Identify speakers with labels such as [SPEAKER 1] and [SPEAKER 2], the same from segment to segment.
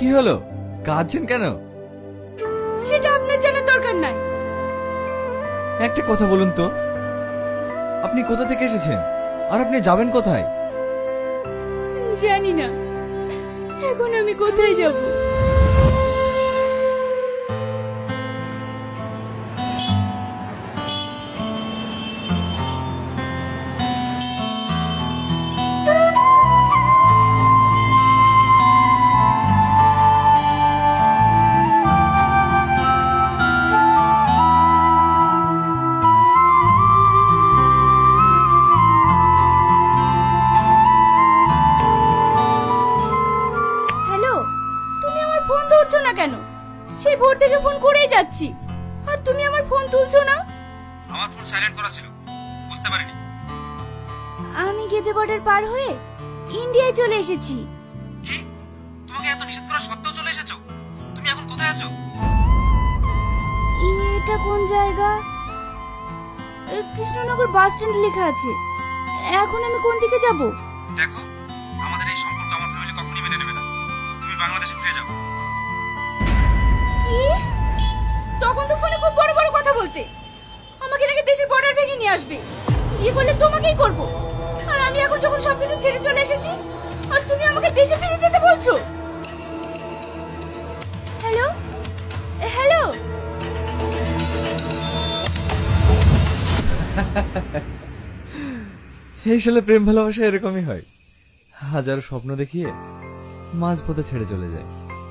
[SPEAKER 1] কি হলো, কাঁদছেন কেন?
[SPEAKER 2] সেটা আপনার জানার দরকার নাই।
[SPEAKER 1] একটা কথা বলুন তো, আপনি কোথা থেকে এসেছেন আর আপনি যাবেন কোথায়?
[SPEAKER 2] জানি না এখন আমি কোথায় যাব। হ্যালো, তুমি আমার ফোন ধরছো না কেন? সেই ভোর থেকে ফোন করেই যাচ্ছি, আর তুমি আমার ফোন তুলছো না।
[SPEAKER 1] আমার ফোন সাইলেন্ট করা ছিল, বুঝতে পারিনি।
[SPEAKER 2] আমি গেদে বর্ডার পার হয়ে ইন্ডিয়ায় চলে এসেছি।
[SPEAKER 1] কি? তোমাকে এত নিষেধ করা সত্ত্বেও চলে এসেছো? তুমি এখন কোথায় আছো?
[SPEAKER 2] এটা কোন জায়গা? কৃষ্ণনগর বাস স্ট্যান্ড লেখা আছে। এখন আমি কোন দিকে যাব?
[SPEAKER 1] দেখো, আমাদের এই সম্পর্ক আমার ফ্যামিলি কখনোই মেনে নেবে না। তুমি বাংলাদেশে ফিরে যাও।
[SPEAKER 2] কি? তখন তো ফোনে খুব বড় বড় কথা বলতে, আমাকে নাকি দেশের বর্ডার ভেঙে নিয়ে আসবে, বিয়ে করলে তোমাকেই করব। আর আমি এখন যখন সবকিছু ছেড়ে চলে এসেছি, আর তুমি আমাকে দেশে ফিরে যেতে বলছো? Hello hello.
[SPEAKER 1] এই সালে প্রেম ভালোবাসা এরকমই হয়, হাজারো স্বপ্ন দেখিয়ে মাঝপথে ছেড়ে চলে যায়।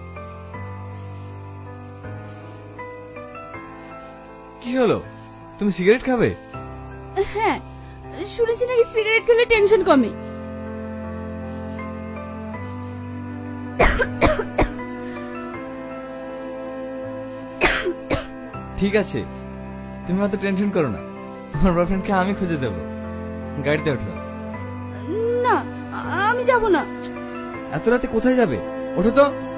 [SPEAKER 1] কি হলো, তুমি সিগারেট খাবে?
[SPEAKER 2] হ্যাঁ, শুনেছি নাকি সিগারেট খেলে টেনশন কমে।
[SPEAKER 1] ঠিক আছে, তুমি অত টেনশন করো না, তোমার বয়ফ্রেন্ডকে আমি খুঁজে দেবো। গাড়িতে ওঠো।
[SPEAKER 2] না, আমি যাব না।
[SPEAKER 1] এত রাতে কোথায় যাবে? ওঠো তো।